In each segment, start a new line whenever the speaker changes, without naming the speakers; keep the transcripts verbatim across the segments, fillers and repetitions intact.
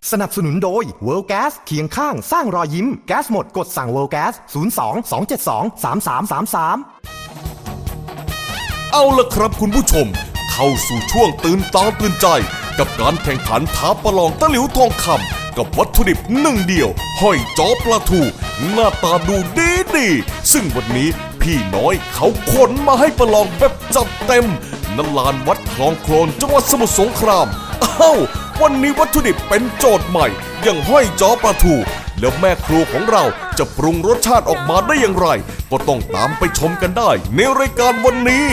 สนับสนุนโดย World Gas เคียงข้างสร้างรอยยิ้มแก๊สหมดกดสั่ง World Gas ศูนย์ สอง สอง เจ็ด สอง สาม สาม สาม สาม
เอาล่ะครับคุณผู้ชมเข้าสู่ช่วงตื่นตาตื่นใจกับการแข่งขันท้าประลองตะหลิวทองคำกับวัตถุดิบหนึ่งเดียวห้อยจ้อปลาทูหน้าตาดูดีดีซึ่งวันนี้พี่น้อยเขาขนมาให้ประลองแบบจัดเต็มณลานวัดคลองโคลนจังหวัดสมุทรสงครามอ้าววันนี้วัตถุดิบเป็นโจทย์ใหม่อย่างห้อยจ้อปลาทูแล้วแม่ครัวของเราจะปรุงรสชาติออกมาได้อย่างไรก็ต้องตามไปชมกันได้ในรายการวันนี้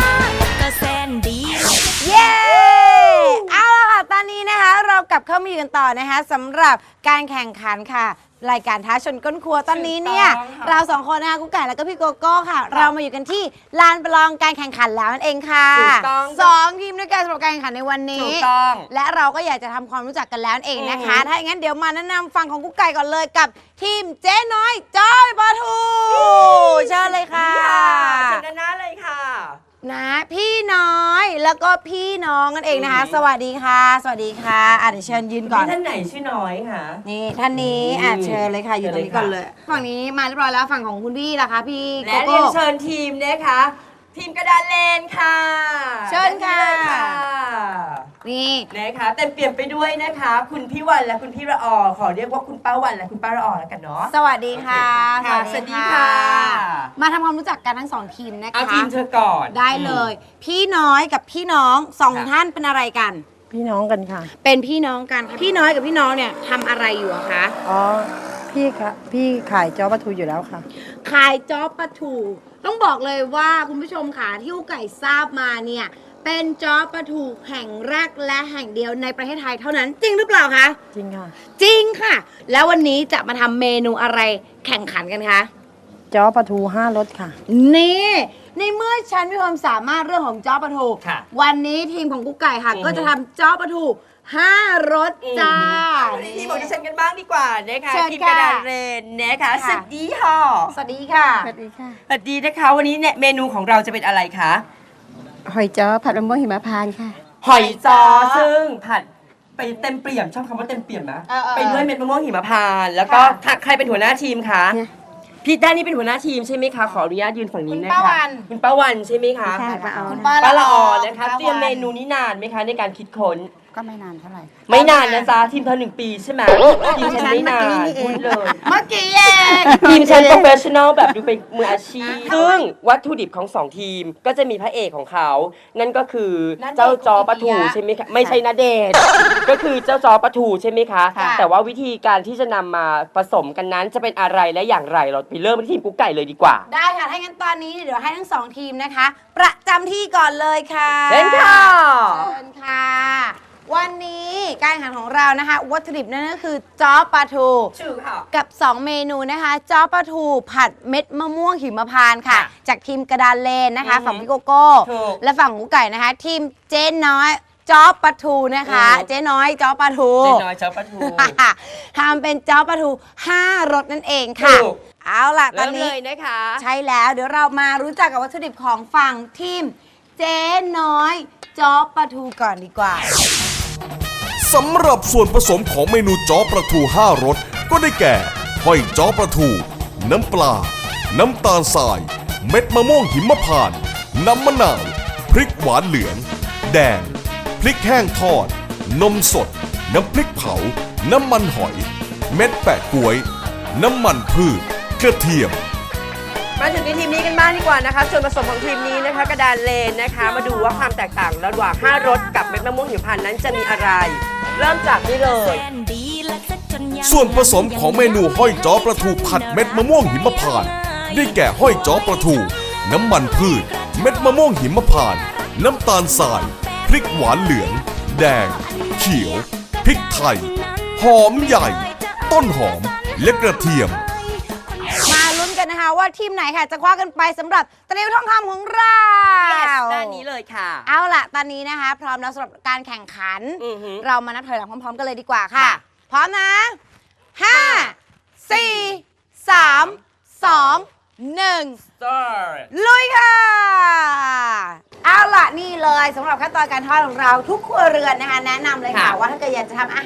เย้เอาละค่ะตอนนี้นะคะเรากลับเข้ามาอยู่กันต่อนะคะสำหรับการแข่งขันค่ะรายการท้าชนก้นครัวตอนนี้เนี่ยเราสองคนนะคะกุ๊กไก่แล้วก็พี่โกโก้ค่ะเรามาอยู่กันที่ลานประลองการแข่งขันแล้วนั่นเองค่ะสองทีมด้วยกันสำหรับการแข่งขันในวันนี้และเราก็อยากจะทำความรู้จักกันแล้วเองนะคะถ้าอย่างนั้นเดี๋ยวมาแนะนำฝั่งของกุ๊กไก่ก่อนเลยกับทีมเจ๊น้อยจ้อยปลาทูเชิญเลยค่ะ
เชิญด้านหน้าเลยค่ะ
นะพี่น้อยแล้วก็พี่น้องกันเองนะคะสวัสดีค่ะสวัสดีค่ะอ่ะเดี๋ยวเชิญยืนก่อน
ท่านไหนชื่อน้อยค่ะ
นี่ท่านนี้อ่ะเชิญเลยค่ะอยู่ตรงนี้ก่อนเลยฝั่งนี้มาเรียบร้อยแล้วฝั่งของคุณพี่ล่ะคะพี่โกโก้และ
เรียนเชิญทีมนะคะทีมกระดานเลนค่ะ
เชิญค่ะ
นี่นะคะเต็มเปี่ยมไปด้วยนะคะคุณพี่วันและคุณพี่ระออขอเรียกว่าคุณป้าวันและคุณป้าระออแล้วกันเนาะ
สวัสดีค่ะ
สวัสดีค่ะ
มาทำความรู้จักกันทั้งสองทีมนะคะ
เอาทีมเธอก่อน
ได้เลยพี่น้อยกับพี่น้องสองท่านเป็นอะไรกัน
พี่น้องกันค่ะ
เป็นพี่น้องกันค่ะพี่น้อยกับพี่น้องเนี่ยทำอะไรอยู่อะคะ
อ๋อพี่ค่ะพี่ขายจ้อปลาทูอยู่แล้วค่ะ
ขายจ้อปลาทูต้องบอกเลยว่าคุณผู้ชมค่ะที่กุ๊กไก่ทราบมาเนี่ยเป็นจ้อปลาทูแห่งแรกและแห่งเดียวในประเทศไทยเท่านั้นจริงหรือเปล่าคะ
จริงค่ะ
จริงค่ะแล้ววันนี้จะมาทำเมนูอะไรแข่งขันกันคะ
จ้อปลาทูห้ารสค่ะ
นี่ในเมื่อฉันมีความสามารถเรื่องของจ้อปลาทูวันนี้ทีมของกุ๊กไก่ค่ะก็จะทำจ้อปลาทูห้ารสจ้า
ทีมของดิฉันกันบ้างดีกว่านะคะทีมกระดานเรนนะคะสวัสดีค่ะ
สวัสดีค่ะ
สวัสดีค่ะ
สวัสดีนะคะวันนี้เนี่ยเมนูของเราจะเป็นอะไรคะ
หอยจ้อผัดมะม่วงหิมพานต์ค่ะ
หอยจ้อซึ่งผัดไปเต็มเปี่ยมชอบคำว่าเต็มเปี่ยมนะไปด้วยเม็ดมะม่วงหิมพานต์แล้วก็ใครเป็นหัวหน้าทีมคะพี่ด้านนี้เป็นหัวหน้าทีมใช่ไหมคะขออนุญาตยืนฝั่งนี้นะคะคุณป้าวัน
คุ
ณป้าวันใช่ไหมคะ
คุณ
ป้าละออนะคะเตรียมเมนูนี้นานไหมคะในการคิดค้น
ก็ไม่นานเท่าไหร่
ไม่นานนะจ๊ะทีมเธอหนึ่งปีใช่ไหมทีมฉันไม่นานพูดเลย
เมื่อกี้เอง
ทีมฉันโปรเฟชชั่นอลแบบดูเป็นมืออาชีพซึ่งวัตถุดิบของสองทีมก็จะมีพระเอกของเขานั่นก็คือเจ้าจอปลาทูใช่ไหมคะไม่ใช่ณเดชน์ก็คือเจ้าจอปลาทูใช่ไหมคะแต่ว่าวิธีการที่จะนำมาผสมกันนั้นจะเป็นอะไรและอย่างไรเราไปเริ่มที่ทีมกุ๊กไก่เลยดีกว่า
ได้ค่ะถ้างั้นตอนนี้เดี๋ยวให้ทั้งสองทีมนะคะประจำที่ก่อนเลยค่ะ
เชิญค่ะ
เชิญค่ะวันนี้การแข่งขันของเรานะคะวัตถุดิบนั่นก็คือจ้อปลาทูกับสองเมนูนะคะจ้อปลาทูผัดเม็ดมะม่วงหิมพานต์ค่ะจากทีมกระดานเลนนะคะฝั่งพี่โกโก้และฝั่งกุ๊กไก่นะคะทีมเจ๊น้อยจ้อปลาทูนะคะเจ๊น้อยจ้อปลาทู
เจ๊น้อยจ้อปลาทู
ทำเป็นจ้อปลาทูห้ารสนั่นเองค่ะเอาล่ะตอนนี้
นะคะ
ใช่แล้วเดี๋ยวเรามารู้จักกับวัตถุดิบของฝั่งทีมเจ๊น้อยจ้อปลาทูก่อนดีกว่า
สำหรับส่วนผสมของเมนูจ้อปลาทูห้ารสก็ได้แก่ห้อยจ้อปลาทูน้ำปลาน้ำตาลทรายเม็ดมะม่วงหิมพานต์น้ำมะนาวพริกหวานเหลืองแดงพริกแห้งทอดนมสดน้ำพริกเผาน้ำมันหอยเม็ดแปะก๊วยน้ำมันพืชกระเทียม
มาถึงในทีมนี้กันบ้างดีกว่านะคะส่วนผสมของทีมนี้นะคะกระดานเลนนะคะมาดูว่าความแตกต่างระหว่างห้ารสกับเม็ดมะม่วงหิมพานต์นั้นจะมีอะไรเริ่มจากนี่เลย
ส่วนผสมของเมนูห้อยจ้อปลาทูผัดเม็ดมะม่วงหิมพานต์ได้แก่ห้อยจ้อปลาทูน้ำมันพืชเม็ดมะม่วงหิมพานต์น้ำตาลทรายพริกหวานเหลืองแดงเขียวพริกไทยหอมใหญ่ต้นหอมและกระเทียม
มาลุ้นกันนะคะว่าทีมไหนค่ะจะคว้ากันไปสำหรับตะหลิวทองคำของเรา
yes, ด้านนี้เลยค่ะ
เอาล่ะตอนนี้นะคะพร้อมแล้วสำหรับการแข่งขันเรามานับถอยหลังพร้อมๆกันเลยดีกว่าค่ะพร้อมนะห้าสี่สามสองหนึ่งลุยค่ะเอาล่ะนี่เลยสำหรับขั้นตอนการทอดของเราทุกครัวเรือนนะคะแนะนำเลยค่ะว่าถ้าเกิดอยากจะทำอาหาร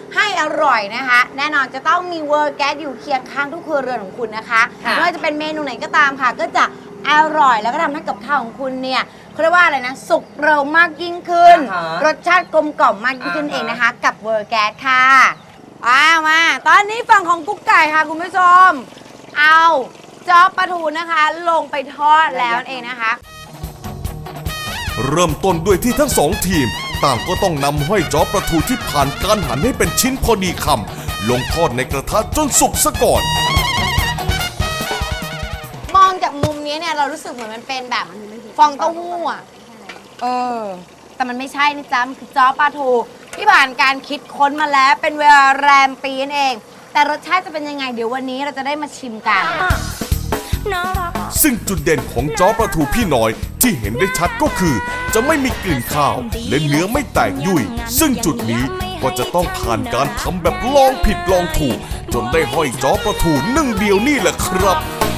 ให้อร่อยนะคะ แน่นอนจะต้องมีเวอร์แก๊สอยู่เคียงข้างทุกครัวเรือนของคุณนะคะ
ค่ะ
ไม่ว่าจะเป็นเมนูไหนก็ตามค่ะ ก็จะอร่อยแล้วก็ทำให้กับข้าวของคุณเนี่ยเขาเรียกว่าอะไรนะสุกเร็วมากยิ่งขึ้น
อ่าฮะ
รสชาติกลมกล่อมมากยิ่งขึ้น
อ่าฮะ
เองนะคะ กับเวอร์แก๊สค่ะอ้าวมา ตอนนี้ฝั่งของกุ๊กไก่ค่ะคุณผู้ชม เอาจ๊อบปลาทูนะคะ ลงไปทอดแล้วนั่นเองนะคะ
เริ่มต้นด้วยที่ทั้งสองทีม ต่างก็ต้องนำห้อยจ้อปลาทูที่ผ่านการหั่นให้เป็นชิ้นพอดีคำลงทอดในกระทะจนสุกซะก่อน
มองจากมุมนี้เนี่ยเรารู้สึกเหมือนมันเป็นแบบฟองเต้าหู้อ่ะ เออ แต่มันไม่ใช่นะจ๊ะ มันคือจ้อปลาทูที่ผ่านการคิดค้นมาแล้วเป็นเวลาแรมปีนั่นเอง แต่รสชาติจะเป็นยังไงเดี๋ยววันนี้เราจะได้มาชิมกัน
ซึ่งจุดเด่นของจ้อปลาทูพี่น้อยที่เห็นได้ชัดก็คือ จะไม่มีกลิ่นข้าว และเนื้อไม่แตกยุ่ย ซึ่งจุดนี้ก็จะต้องผ่านการทำแบบลองผิดลองถูก จนได้ห้อยจ้อปลาทูหนึ่งเดียวนี่แหละครับ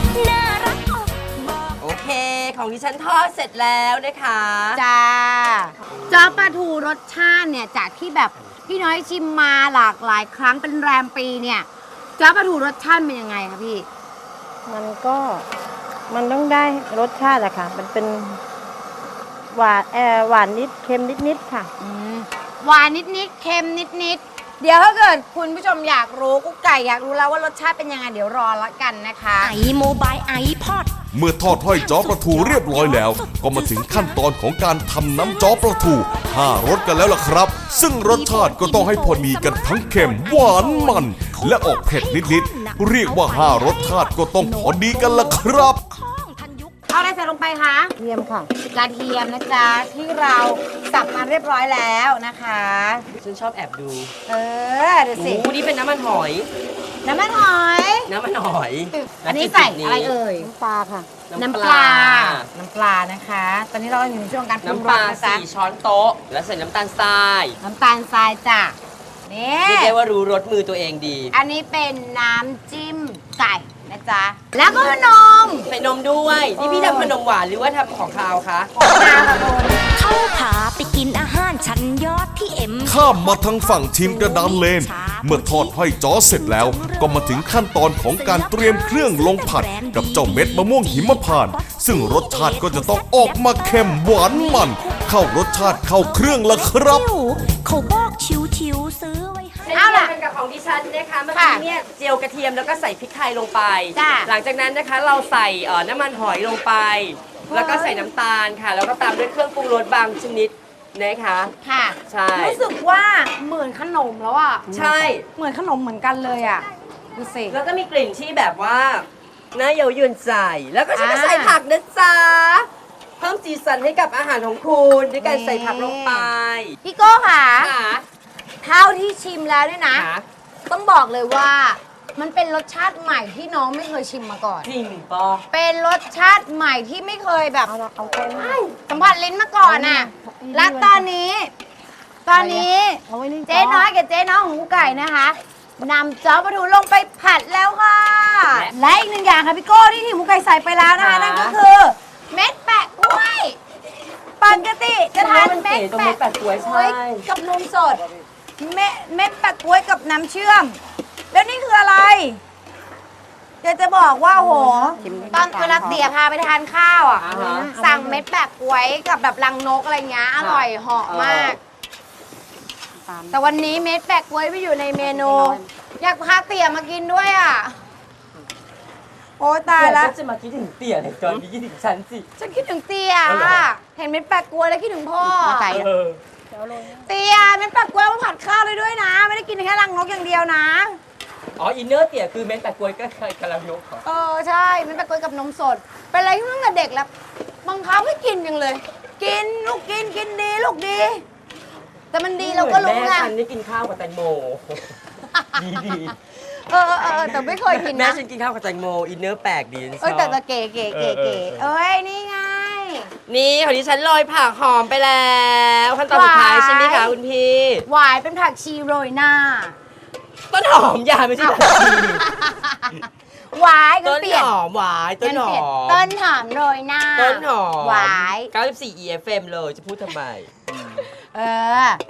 โอเค ของดิฉันทอดเสร็จแล้วนะคะ
จ้าจ้อปลาทูรสชาติเนี่ยจากที่แบบพี่น้อยชิมมาหลากหลายครั้งเป็นแรมปีเนี่ยจ้อปลาทูรสชาติเป็นยังไงคะพี่
มันก็มันต้องได้รสชาติอะค่ะ มันเป็นหวานเออหวานนิดเค็มนิดนิดๆค่ะ
อืมหวานนิดๆเค็มนิดๆเดี๋ยวถ้าเกิดคุณผู้ชมอยากรู้กุ๊กไก่อยากรู้แล้วว่ารสชาติเป็นยังไงเดี๋ยวรอละกันนะคะ
ไอโมบายไอพอด
เมื่อทอดห้อยจ้อปลาทูเรียบร้อยแล้ว ก็มาถึงขั้นตอนของการทำน้ำจ้อปลาทูห้ารสกันแล้วล่ะครับ ซึ่งรสชาติก็ต้องให้พอดีกันทั้งเค็มหวานมัน และออกเผ็ดนิดๆเรียกว่าห้ารสชาติก็ต้องพอดีกันล่ะครับ
เอาอะไรใส่ลงไปคะ
เทียมค่ะ
กระเทียมนะจ๊ะที่เราสับมาเรียบร้อยแล้วนะคะ
ฉันชอบแอบดู
เออเดี๋ยวสิ
โอ้นี่เป็นน้ำมันหอย
น้ำมันหอย
น้ำมันหอย
อันนี้ใส่อะไรเอ่ย
น้ำปลาค่ะ
น้ำปลา น้ำปลานะคะ ตอนนี้เราอยู่ในช่วงการปรุง
น้ำ
ร
ปลา
สนะจ๊ะ
สี่ช้อนโต๊ะ แล้วใส่น้ำตาลทราย
น้ำตาลทรายจ้ะนี่
เรียกได้ว่ารู้รสมือตัวเองดี
อันนี้เป็นน้ำจิ้มไก่นะจ๊ะ แล้วก็นม
ใส่นมด้วย นี่พี่ทำขนมหวานหรือว่าทำของคาวคะ
ของนางค่ะคุณ
เขาพาไปกินอาหารชั้นยอดที่เอ็ม
ข้ามมาทางฝั่งทีมกระดานเลน เมื่อทอดห้อยจ้อเสร็จแล้ว ก็มาถึงขั้นตอนของการเตรียมเครื่องลงผัด กับเจ้าเม็ดมะม่วงหิมพานต์ซึ่งรสชาติก็จะต้องออกมาเค็มหวานมัน เข้ารสชาติเข้าเครื่องละครับ
เขาบอกชิวๆซื้อไว้ให้
เอาล่ะ
เป็นกับของดิฉันนะคะเมื่อ
ค่ะ
กี้เนี่ยเจียวกระเทียมแล้วก็ใส่พริกไทยลงไป
จ้ะ
หลังจากนั้นนะคะเราใส่เอ่อน้ำมันหอยลงไป แล้วก็ใส่น้ำตาลค่ะ แล้วก็ตามด้วยเครื่องปรุงรสบางชนิดนะคะ
ค่ะ
ใช่
รู้สึกว่าเหมือนขนมแล้วอ่ะ
ใช่
เหมือนขนมเหมือนกันเลยอ่ะ ดูสิ
แล้วก็มีกลิ่นที่แบบว่าน่าเย้ายวนใจ แล้วก็ฉันก็
อ่า
ใส่ผักนะจ๊ะ เพิ่มสีสันให้กับอาหารของคุณด้วยการ
นี่
ใส่ผักลงไป
พี่โก้ค่ะ
ค่ะ
เท่าที่ชิมแล้วเนี่ยนะ
ค่ะ
ต้องบอกเลยว่ามันเป็นรสชาติใหม่ที่น้องไม่เคยชิมมาก่อน
จริงปะ
เป็นรสชาติใหม่ที่ไม่เคยแบบ
เอาละเอาแค่นี้
สัมผัสลิ้นมาก่อนอ่ะ
เอาไว้
และตอนนี้ ตอนนี้
เอาไว้นี่
เจ๊น้อยกับเจ๊น้องของกุ๊กไก่นะคะนำจ้อปลาทูลงไปผัดแล้วค่ะ และอีกหนึ่งอย่างค่ะพี่โก้ที่ทีมกุ๊กไก่ใส่ไปแล้วนะคะนั่นก็คือ เม็ดแปะกล้วยปกติจะทานเม็ด
ตรงเม็ดแปะกล้วยใช่
กับนมสดเม็ดเม็ดแปะกล้วยกับน้ำเชื่อม แล้วนี่คืออะไรเดี๋ยวจะบอกว่าโหตอนเวลาเตี๋ยพาไปทานข้าวอ่ะ
อ่าฮะ
สั่งเม็ดแปะกล้วยกับแบบรังนกอะไรเงี้ยอร่อยเหาะมาก แต่วันนี้เม็ดแปะกล้วยไม่อยู่ในเมนู อยากพาเตี๋ยมากินด้วยอ่ะ โอ้ตายแล้ว
จะมาคิดถึงเตี๋ยเลยจอนนี้คิดถึงฉันสิ
ฉันคิดถึงเตี๋ย
เอาเหรอ
อะเห็นเม็ดแปะกล้วยแล้วคิดถึงพ่อ
เออ
เตี๋ยเม็ดแปะกล้วยมาผัดข้าวเลยด้วยนะ ไม่ได้กินแค่รังนกอย่างเดียวนะ
อ๋ออินเนอร์เตี๋ยคือเม็ดแปะกล้วยก็เคยกำลังยกเหรอ
เออใช่เม็ดแปะกล้วยกับนมสด เป็นอะไรที่ตั้งแต่เด็กแล้วบังคับให้กินจังเลย กินลูกกินกินดีลูกดี แต่มันดีเราก็รู้
แม่
ไง
ฉันนี่กินข้าวกับแตงโม ดีดี
เออเออเออแต่ไม่เคยกิน
แม่
นะ
ฉันกินข้าวกับแตงโมอินเนอร์แปลกดีฉันช
เออ
อบ
แต่แต่เก๋เก๋เก๋เก๋
เออเออ
เอ้ยนี่ไง
นี่ของดิฉันโรยผักหอมไปแล้วขั้นตอนสุดท้าย
หวาย
ใช่ไหมคะคุณพี่
หวายเป็นผักชีโรยหน้า
ต้นหอมยาไม่ใช่ผักชี
หวายก็
ต้น
เปลี่ยน
หอมหวายต้นหอ
เปลี่ย
ม
ต้นหอมโรยหน้า
ต้นหอม
หวาย
เก้าสิบสี่ อี เอฟ เอ็ม เลยจะพูดทำไม
เออ เอ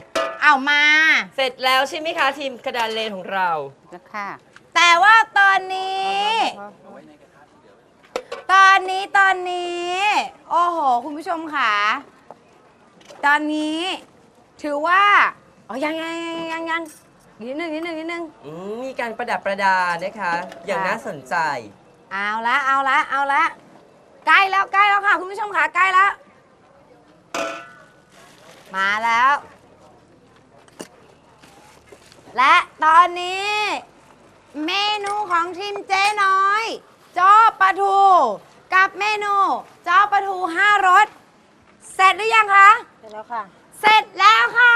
เอามา
เสร็จแล้วใช่ไหมคะทีมกระดานเลนของเรา
แล้วค่ะ
แต่ว่าตอนนี้ ตอนนี้ตอนนี้ โอ้โห คุณผู้ชมค่ะ ตอนนี้ ถือว่าอ๋อยังยังยังยังยังนิดนึงนิดนึงนิดนึง
อืมมีการประดับประดานะคะ อย่างน่าสนใจ
เอาละเอาละเอาละใกล้แล้วใกล้แล้วค่ะ คุณผู้ชมค่ะใกล้แล้ว มาแล้ว และตอนนี้ เมนูของทีมเจ๊น้อยจ้อปลาทูกับเมนูจ้อปลาทูห้ารสเสร็จหรือยังคะ
เสร็จแล้วค่ะ
เสร็จแล้วค่ะ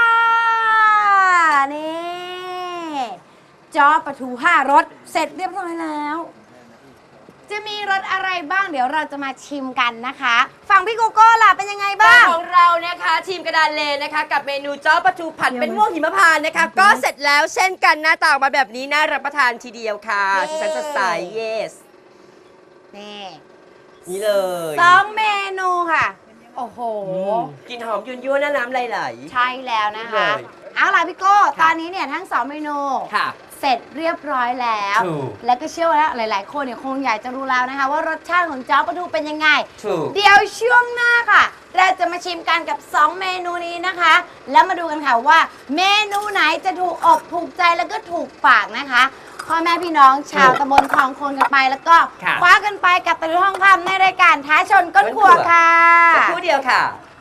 นี่จ้อปลาทูห้ารสเสร็จเรียบร้อยแล้ว จะมีรสอะไรบ้างเดี๋ยวเราจะมาชิมกันนะคะฝั่งพี่โกโก้ล่ะเป็นยังไงบ้าง
ของเรานะคะทีมกระดานเลนนะคะ กับเมนูจ้อปลาทูผัดเป็นม่วงหิมพานต์นะคะ ก็เสร็จแล้วเช่นกันหน้าตาออกมาแบบนี้น่ารับประทานทีเดียวค่ะ
เย้
สีสันสดใส yes
นี่
นี่เลย
สองเมนูค่ะ โอ้โห
กลินหอมยุ่นยั่วๆหน้าน้ำไหล
ใช่แล้วนะคะ
เลย
เอาล่ะพี่โก้
ค่ะ
ตอนนี้เนี่ยทั้งสองเมนู
ๆค่ะ
เสร็จเรียบร้อยแล้ว
ถูก
แล้วก็เชื่อว่าหลาย ๆ คนเนี่ยคงอยากจะรู้แล้วนะคะ ว่ารสชาติของจ้อปลาทูเป็นยังไง
ถูก
เดี๋ยวช่วงหน้าค่ะ เราจะมาชิมกันกับ สอง เมนูนี้นะคะ แล้วมาดูกันค่ะว่า เมนูไหนจะถูกอกถูกใจแล้วก็ถูกปากนะคะพ่อแม่พี่น้องชาวตำบลคลองคนกันไป แล้วก็
ค่ะ
คว้ากันไปกับตะลุยทองคำในรายการท้าชนก้นขวดค่ะ
สักครู่เดียวค่ะ